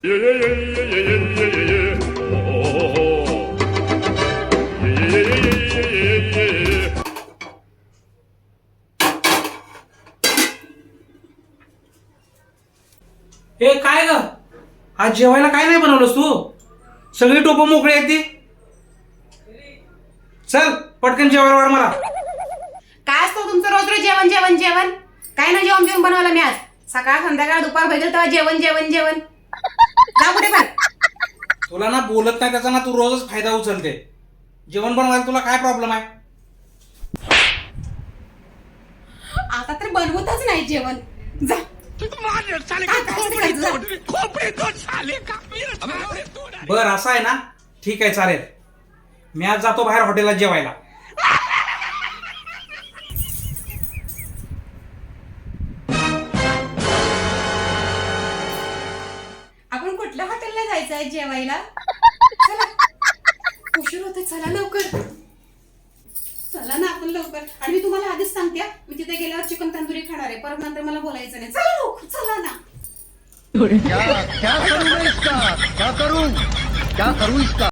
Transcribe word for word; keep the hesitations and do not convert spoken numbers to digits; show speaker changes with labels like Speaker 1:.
Speaker 1: Yeah, yeah, yeah, yeah, yeah, yeah, yeah, yeah. Oh, oh, oh. Yeah, yeah, yeah, yeah, yeah, yeah, yeah, yeah.
Speaker 2: हे काय ग? आज जेवायला काय नाही बनवलंस तू? सगळी टोपं मोकळी आहेत ती. चल पटकन जेवायला वाढ मला.
Speaker 3: काय असतं तुमचं रोज रोज जेवण जेवण जेवण काय ना जेवण जेवण बनवलं मी आज सकाळ संध्याकाळ दुपार भेटेल तेव्हा जेवण जेवण जेवण जा कुठे पण.
Speaker 2: तुला ना बोलत नाही त्याचा ना तू रोजच फायदा उचलते. जेवण बनवायला तुला काय प्रॉब्लेम आहे?
Speaker 3: आता तर बनवतच नाही जेवण जा.
Speaker 2: बर असं आहे ना, ठीक आहे चालेल. मी आज जातो बाहेर हॉटेलात जेवायला.
Speaker 3: आपण कुठल्या हॉटेलला जायचं आहे जेवायला? चला उशीर होते चला लवकर. चला ना आपण लवकर. आणि मी तुम्हाला आधीच सांगते हा, मी तिथे गेल्यावर चिकन तंदुरी खाणार आहे. परत नंतर मला बोलायचं नाही. चला लवकर चला ना.
Speaker 4: क्या क्या करूं मैं इसका क्या करूं क्या करूं इसका